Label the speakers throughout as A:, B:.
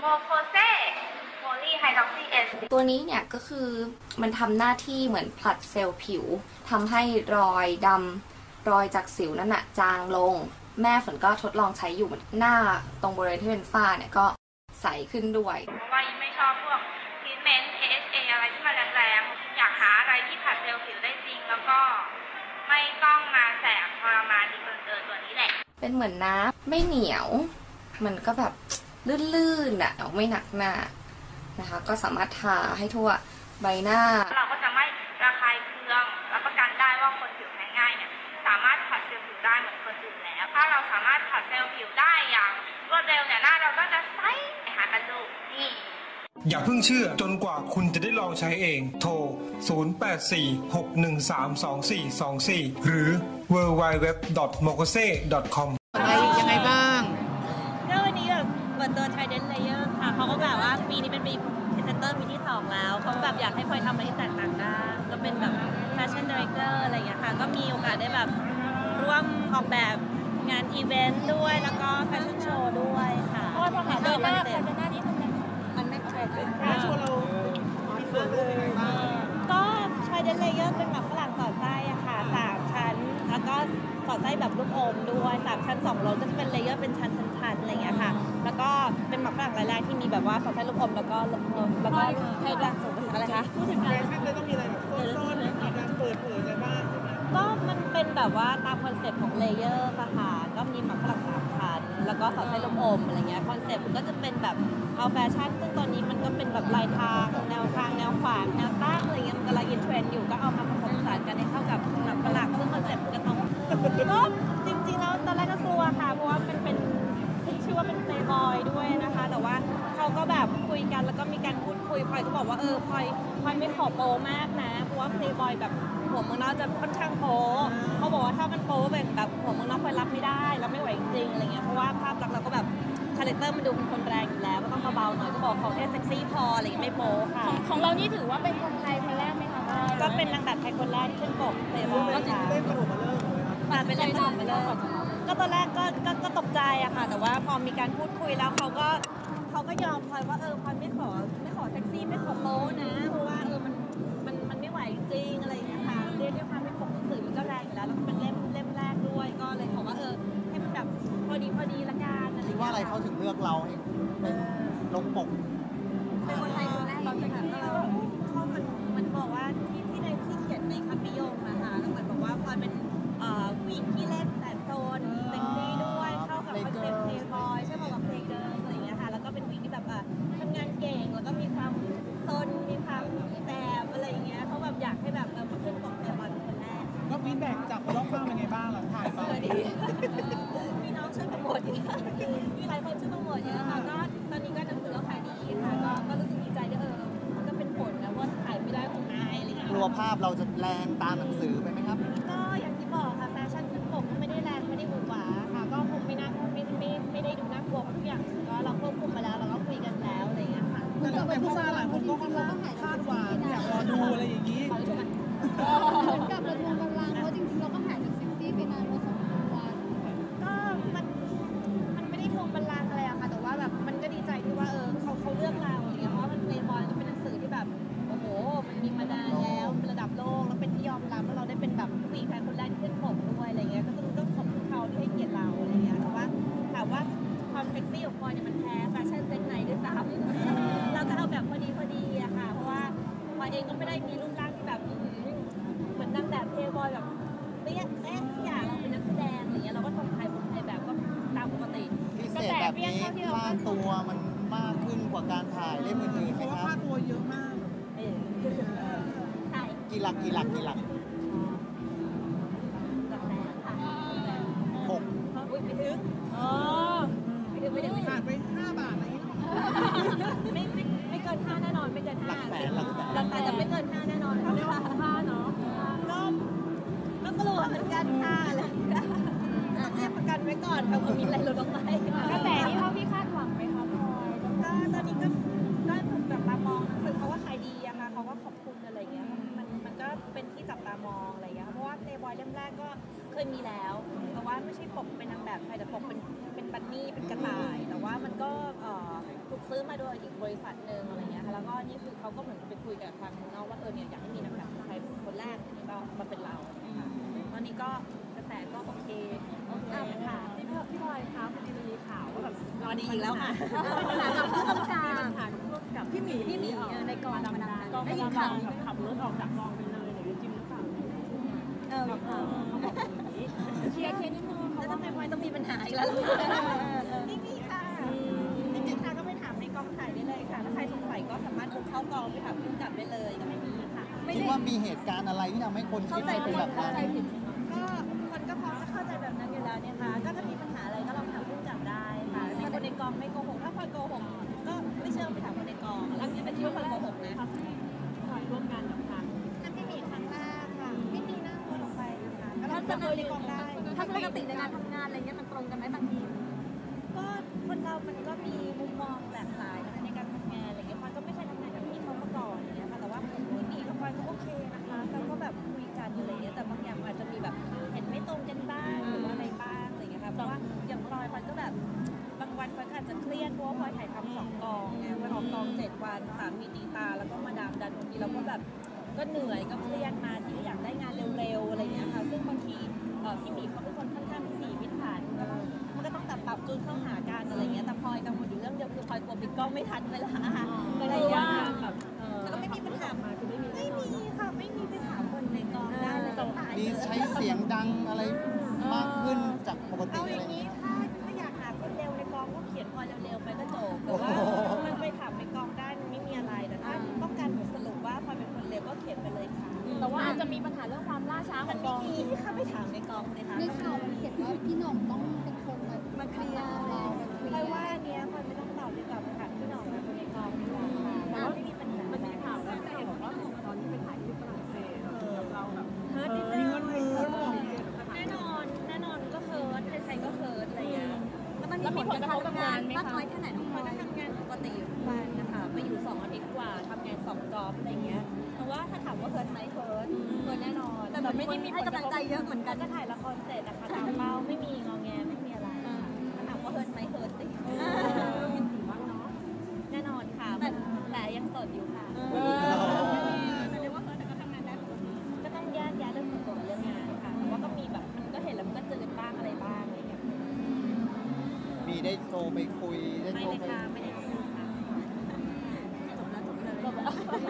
A: โมโคเซโพลีไฮดรอกซีเอส
B: ตัวนี้เนี่ยก็คือมันทำหน้าที่เหมือนผลัดเซลล์ผิวทำให้รอยดำรอยจากสิวนั่นน่ะจางลงแม่ฝนก็ทดลองใช้อยู่หน้าตรงบริเวณที่เป็นฝ้าเนี่ยก็ใสขึ้นด้วย
A: เพราะว่ายิ่งไม่ชอบพวกทรีทเมนต์ AHA อะไรที่มันแรงๆอยากหาอะไรที่ผลัดเซลล์ผิวได้จริงแล้วก็ไม่ต้องมาแสบทรมานดีเกินตัวนี้แหละ
B: เป็นเหมือนน้ำไม่เหนียวมันก็แบบลื่นๆอ่ะไม่หนักหน้านะคะก็สามารถทาให้ทั่วใบหน้า
A: เราก็จะไม่ระคายเคืองรับประกันได้ว่าคนผิวแพ้ง่ายเนี่ยสามารถผัดเซลล์ผิวได้เหมือนคนอื่นแล้วถ้าเราสามารถผัดเซลล์ผิวได้อย่างรวดเร็วเนี่ยหน้าเราก็จะใสหากันดูนี่
C: อย่าเพิ่งเชื่อจนกว่าคุณจะได้ลองใช้เองโทร 0846132424 หรือ www.mokose.com
D: ยังไงบ้าง
E: ก็วันนี้แบบเปิดตัว Trident Layer ค่ะเขาก็แบบว่าปีนี้เป็นปีพรีเซนเตอร์ปีที่2แล้วเขาแบบอยากให้พลอยทำอะไรที่แตกต่างได้ก็เป็นแบบ Fashion Director อะไรอย่างเงี้ยค่ะก็มีโอกาสได้แบบร่วมออกแบบงานอีเวนต์ด้วยแล้วก็แฟชั่นโชว์ด้วยค่ะเพราะว่าพอหาด้วยคอนเซ็ปต์มันไม่เคยเป็นโชว์เรามีส่วนร่วมยังไงบ้างก็ Trident Layer เป็นแบบฝรั่งสอดไส้อะค่ะ3ชั้นแล้วก็สอดไส้แบบลูกอมด้วย3ชั้น2โลก็จะเป็นเลเยอร์เป็นชั้นอะไรอย่างเงี้ยค่ะแล้วก็เป็นหมักฝรั่งรายแรกที่มีแบบว่าสอดไส้ลูกอมแล้วก็ให้ร่างสูงอะไรคะพูดถึงการเลยต้องมีอะไรแบบซ่อนๆมีการเปิดเผยอะไรบ้างก็มันเป็นแบบว่าตามคอนเซ็ปต์ของเลเยอร์ค่ะก็มีหมักฝรั่ง3ชั้นแล้วก็สอดไส้ลูกอมอะไรเงี้ยคอนเซ็ปต์ก็จะเป็นแบบเอาแฟชั่นซึ่งตอนนี้มันก็เป็นแบบลายทางแนวทางแนวขวางแนวตั้งอะไรเงี้ยมันกำลังอินเทรนด์อยู่ก็เอามาผสมผสานกันให้เข้ากับหมักฝรั่งซึ่งคอนเซ็ปต์ก็ต้องก็จริงๆแล้วตอนแรกก็กลัวค่ะเพราะว่าเป็นชื่อว่าเป็นเพลย์บอยด้วยนะคะแต่ว่าเขาก็แบบคุยกันแล้วก็มีการพูดคุยพลอยก็บอกว่าพลอยไม่ขอโป๊มากนะเพราะว่าเพลย์บอยแบบหัวเมืองนอกจะค่อนข้างโป๊เขาบอกว่าถ้ามันโป๊แบบหัวเมืองนอกพลอยรับไม่ได้รับไม่ไหวจริงๆอะไรเงี้ยเพราะว่าภาพลักษณ์เราก็แบบคาแรคเตอร์มันดูเป็นคนแรงอยู่แล้วก็ต้องเบาๆหน่อยก็บอกเขาแค่เซ็กซี่พออะไรไม่โป๊ค่ะ
F: ของเรานี่ถือว่าเป็นคนไทยคนแรกไหมคะ
E: ก็เป็นนางแบบไทยคนแรกที่ขึ้นปกเพลย์บอยค่ะเป็นเล่นขนมมาเลยก็ตอนแรกก็ตกใจอะค่ะแต่ว่าพอมีการพูดคุยแล้วเขาก็ยอมพลอยว่าพลอยไม่ขอแท็กซี่ไม่ขอโป๊นะเพราะว่ามันไม่ไหวจริงอะไรอย่างเงี้ยค่ะเรียกด้วยความเป็นปกหนังสือมันก็แรงอยู่แล้วแล้วก็เป็นเล่มแรกด้วยก็เลยขอว่าให้มันแบบพอดีละกันอะไร
D: คิดว่าอะไรเขาถึงเลือกเราเป็นลงปก
E: เป็นคนไทยคนแรกเราจะแบบมันบอกว่าที่ในที่เขียนในคำนิยมนะคะแล้วเหมือนบอกว่าพลอยเป็นผู้หญิงที่เล่นแสนโซนเซ็กซี่ด้วยเข้ากับคอนเซ็ปต์เพลย์บอยใช่ไหมกับเพลย์เกิร์ลอะไรอย่างเงี้ยค่ะแล้วก็เป็นผู้หญิงที่แบบทำงานเก่งแล้วก็มีความซนมีความแสบอะไรอย่างเงี้ยเขาแบบอยากให้แบบมาขึ้นปกเพลย์บอยเป็นคนแรก
D: ก็ฟีดแบ็กจากคนรอบข้างเป็นไงบ้างหลังถ่ายไป
E: ดีมีน้องช่วยโปรโมทเยอะมีหลายคนช่วยโปรโมทเยอะค่ะก็ตอนนี้ก็หนังสือก็ขายดีค่ะก็รู้สึกดีใจด้วยมันก็เป็นผลนะว่าขายไม่ได้ของนายอะไรอย่างเงี้ย
D: กลัวภาพเราจะแรงตามหนังสือไปไหมครับ
E: ก็อย่างที่บอกค่ะแฟชั่นขึ้นปกไม่ได้แรงไม่ได้หวือหวาค่ะก็คงไม่ได้ดูน่ากลัวทุกอย่างก็เราควบคุมมาแล้วเราก็คุยกันแล้วอะไรอย่างเงี้ยค่ะ
D: แต่ผู้ชายหลายคนก็ค่อนข้างคาดหวังอยากรอดูอะไรอย่างนี้
F: เหมือนกับเราทวงกำลังเพราะจริงๆเราก็หายจากเซ็กซี่ไปนานพอสมควร
E: ก็มันไม่ได้ทวงบัลลังก์อะไรอะค่ะแต่ว่าแบบมันก็ดีใจที่ว่าเขาเลือกเราอย่างเงี้ยเพราะว่ามันเพลย์บอยก็เป็นหนังสือที่แบบโอ้โหมันมีมานานแล้วเป็นระดับโลกแล้วเป็นที่ยอมรับแล้วเราได้เป็นแบบผู้หญิงไทยคนแรกที่ขึ้นปกด้วยอะไรเงี้ยก็ต้องขอบคุณเขาที่ให้เกียรติเราอะไรเงี้ยแต่ว่าถามว่าความเซ็กซี่ของพลอยเนี่ยมันแพ้แฟชั่นเซ็กไหนด้วยซ้ำเราก็เอาแบบพอดีอะค่ะเพราะว่าพลอยเองก็ไม่ได้มีรูปร่างที่แบบเหมือนนางแบบเพลย์บอยแบบไม่อยากเราเป็นนักแสดงอะไรเงี้ยเราก็ทำถ่ายแบบก็ตามปกติ
D: พิเศษแบบนี้ค่าตัวมันมากขึ้นกว่าการถ่ายเล่มอื่นๆไหมครับค่าตัวเยอะมาก
E: ใช่
D: กี่หลัก
E: หลักแสนค่ะ
D: 6
E: อุ้ยไม่ถึงไม่ถึง
D: ขาดไป5 บาทอะไรอย่างนี้
E: ไม่เกิน5แน่นอนไม่เกิน5
D: หลักแสน
E: แต่ไม่เกิน5แน่นอนไม่ว่า5เนาะก็กลัวเหมือนกันค่ะอะไรต้องเรียกประกันไว้ก่อนค่ะว่ามีอะไรหลุดออกไป
F: กระแสที่เท่าที่คาดหวังไหมคะพลอย
E: ก็ตอนนี้ก็ถูกจับตามองหนังสือเขาว่าขายดีอะค่ะเขาก็ขอบคุณอะไรเงี้ยมันก็เป็นที่จับตามองอะไรเงี้ยเพราะว่าเพลย์บอยเล่มแรกก็เคยมีแล้วแต่ว่าไม่ใช่ปกเป็นนางแบบไทยแต่ปกเป็นบันนี่เป็นกระต่ายแต่ว่ามันก็ถูกซื้อมาโดยอีกบริษัทหนึ่งอะไรเงี้ยค่ะแล้วก็นี่คือเขาก็เหมือนไปคุยกับทางนอกว่าเนี่ยอยากให้มีนักแบบไทยคนแรกอันนี้ก็มาเป็นเราค่ะตอนนี้ก็กระแสก็โอเคค่ะพี่พลอยคะพอดีมีข่าวว่าแบบรอดีอีกแล้วค่ะปัญหากับผู้กำกับพี่หมีในกองดำๆได้ยินข่าวขับรถออกจากกองไปเลยหรือจริงหรือเปล่าเชียร์นิดนึงแล้วทำไมพลอยต้องมีปัญหาอีกแล้วไม่มีค่ะจริงๆค่ะก็ไปถามในกองถ่ายได้เลยค่ะถ้าใครสงสัยก็สามารถบุกเข้ากองไปถามผู้กำกับได้เลยก็ไม่มีค่ะ
D: คิดว่ามีเหตุการณ์อะไรที่ทำให้คนคิดว่าเป็นแบบนั้น
E: ก็คนก็พร้อมจะเข้าใจแบบนั้นอยู่แล้วเนี่ยค่ะก็ถ้ามีปัญหาอะไรก็ลองถามผู้กำกับได้ค่ะถ้าคนในกองไม่โกหกถ้าพลอยโกหกก็ไม่เชื่อไปถามคนในกองแล้วนี่เป็นที่ว่าพลอยโกหกนะพลอยร่วมงานกับทางนั่นไม่มีครั้งแรกค่ะไม่มีนั่งคนออกไปนะคะก็เราจะในกองได้ถ้าปกติในการทำงานอะไรเงี้ยมันตรงกันไหมบางทีก็คนเรามันก็มีมุมมองหลากหลายในการทำงานอะไรเงี้ยพลอยก็ไม่เคยทำงานกับพี่เขามาก่อนอย่างเงี้ยค่ะแต่ว่าพี่หมีกับพลอยก็โอเคนะคะเราก็แบบคุยกันอะไรเงี้ยแต่บางอย่างอาจจะมีแบบเห็นไม่ตรงกันบ้างหรือว่าอะไรบ้างอะไรเงี้ยค่ะเพราะว่าอย่างพลอยก็แบบบางวันพลอยก็อาจจะเครียดเพราะว่าพลอยถ่ายทำ2 กองไงพลอยออกกอง7 วันสามีตีตาแล้วก็มาดามดันบางทีเราก็แบบก็เหนื่อยก็เครียดมาที่อยากได้งานเร็วๆอะไรเงี้ยค่ะซึ่งบางทีพี่หมีเขาเป็นคนค่อนข้างพิถีพิถันมันก็ต้องปรับจูนเข้าหากันอะไรเงี้ยแต่พลอยกังวลอยู่เรื่องเดียวคือพลอยกลัวปิดกล้องไม่ทันเวลาอะไรอย่างเงี้ยแบบแล้วก็ไม่มีปัญหาไม่มีค่ะไม่มีไปถามคนในกองได้เลยต้องถ่าย
D: มีใช้เสียงดังอะไรมากขึ้นจากปกติ
E: เอา
D: อะ
E: อ
D: ไร
E: ย่าง
D: เงี้
E: นี้
D: ย
E: ถ้าอยากหาคนเร็วในกองก็เขียนพลอยเร็วๆไปก็จบแต่ว่ามันไปถามในกองได้มันไม่มีอะไรแต่ถ้าต้องการสรุปว่าพลอยเป็นคนเร็วก็เขียนไปเลยค่ะแต่ว่าอาจจะมีปัญหาเรื่องความล่าช้าของกองไม่มีค่ะไปถามในกองเลยค่ะ
F: ในข่าวมันเขียนว่าพี่หน่องต้องเป็นคน
E: มาเคลียร์เราเพราะว่าอันเนี้ยพลอยไม่ต้องตอบดีกว่าไปถามพี่หน่องคนในกองดีกว่าค่ะแต่ว่าไม่มีปัญหามันมีข่าวแล้วแต่บอกว่าตอนที่ไปถ่ายที่ฝรั่งเศสเราแบบเฮิร์ตนิดนึงแน่นอนก็เฮิร์ตใครๆก็เฮิร์ตอะไรอย่างเงี้ยแล้วมีผลกระทบกับงานมากน้อยแค่ไหนน้องพลอยก็ทำงานปกติอยู่ทุกวันนะคะไปอยู่2 อาทิตย์กว่าทำงาน2 จ็อบอะไรเงี้ยแต่ว่าถ้าถามว่าเฮิร์ตไหมเฮิร์ตแน่นอนแต่ไม่ได้มีให้กำลังใจเยอะเหมือนกันก็ถ่ายละครเสร็จนะคะตามเป้าไม่มีงอแงไม่มีอะไรถ้าถามว่าเฮิร์ตไหมเฮิร์ตสิแน่นอนค่ะแต่ยังโสดอยู่ค่ะเรียกว่าเฮิร์ตแต่ก็ทำงานได้ก็ต้องแยกแยะเรื่องส่วนตัวกับเรื่องงานค่ะแต่ว่าก็มีแบบมันก็เห็นแล้วมันก็จืดบ้างอะไรบ้างอะไรอย่างเงี้ย
D: มีได้โทรไปคุยได้
E: ไม่
D: โทร
E: เลย
D: ไป
E: ค่ะไม่ได้คุยค่ะจบแล้ว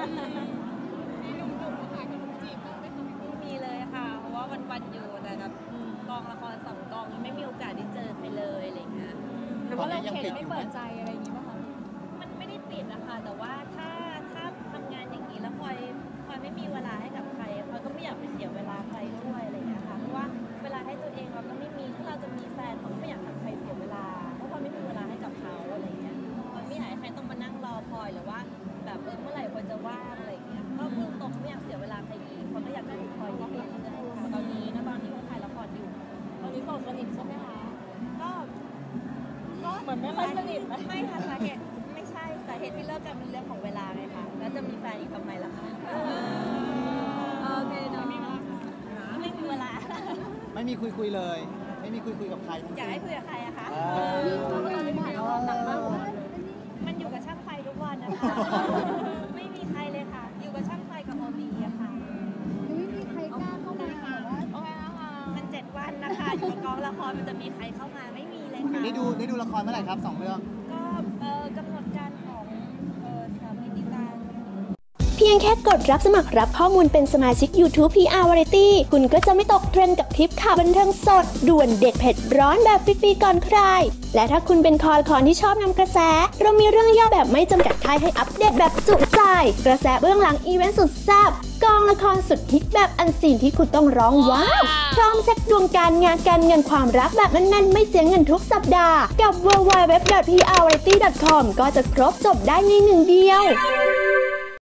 E: ไม่มีเลยค่ะเพราะว่าวันๆอยู่แต่กับกองละคร2 กองไม่มีโอกาสได้เจอใครเลยอะไรเงี้ย
D: ตอนนี้ยังปิดอยู่ไหม
E: อะไรอย่างงี้ป่ะคะมันไม่ได้ปิดนะคะแต่ว่าถ้าทำงานอย่างนี้แล้วพลอยไม่มีเวลาให้กับใครพลอยก็ไม่อยากไปเสียเวลาใครด้วยอะไรเงี้ยค่ะเพราะว่าเวลาให้ตัวเองเราก็ไม่มีถ้าเราจะมีแฟนเราก็ไม่อยากทำใครเสียเวลาเพราะพลอยไม่มีเวลาให้กับเขาอะไรเงี้ยพลอยไม่อยากให้ใครต้องมานั่งรอพลอยหรือว่าแบบเมื่อไหร่พลอยจะว่างอะไรเงี้ยก็พูดตรงไม่อยากเสียเวลาใครอีกพลอยก็อยากจะดูพลอยอยู่เรื่อยๆค่ะตอนนี้ก็ถ่ายละครอยู่ตอนนี้โสดสนิทใช่ไหมคะก็เหมือนไม่ค่อยสนิทไม่ค่ะสาเหตุไม่ใช่สาเหตุที่เลิกกันเป็นเรื่องของเวลาไงคะแล้วจะมีแฟนอีกทำไมล่ะคะโอเคเนาะไม่มีเวลา
D: ไม่มีคุยเลย ไม่มีคุยกับใครทั้ง
E: อยาก
D: สิ้
E: ให้
D: น
E: คุยกับใครอะคะ
F: นี่เขาก็เลยถ่ายละครหนังมากกว่า
E: มันอยู่กับช่างไฟทุกวันนะคะ ไม่มีใครเลยค่ะ อยู่กับช่างไฟกับโอบีอะค่ะ
F: ยังไม่มีใครกล้าเข้ามาแบบว่า
E: มัน7 วันนะคะอยู่กับกองละครมันจะมีใครเข้ามาไม่มีเลยค่ะ
D: ได้ดูละครเมื่อไหร่ครับ2 เรื่อง
E: ก็กำหนดการของสามีติตา
G: เพียงแค่กดรับสมัครรับข้อมูลเป็นสมาชิก YouTube PR Variety คุณก็จะไม่ตกเทรนด์กับทริปข่าวบันเทิงสดด่วนเด็ดเผ็ดร้อนแบบฟรีๆก่อนใคร และถ้าคุณเป็นคอละครที่ชอบนำกระแสเรามีเรื่องย่อแบบไม่จำกัดท้ายให้อัปเดตแบบจุใจกระแสเบื้องหลังอีเวนต์สุดแซ่บกองละครสุดฮิตแบบอันซีนที่คุณต้องร้องว้าวพร้อมเซ็ตดวงการงานการเงินความรักแบบแน่นๆไม่เสียเงินทุกสัปดาห์กับ www.prvariety.com ก็จะครบจบได้ในหนึ่งเดียว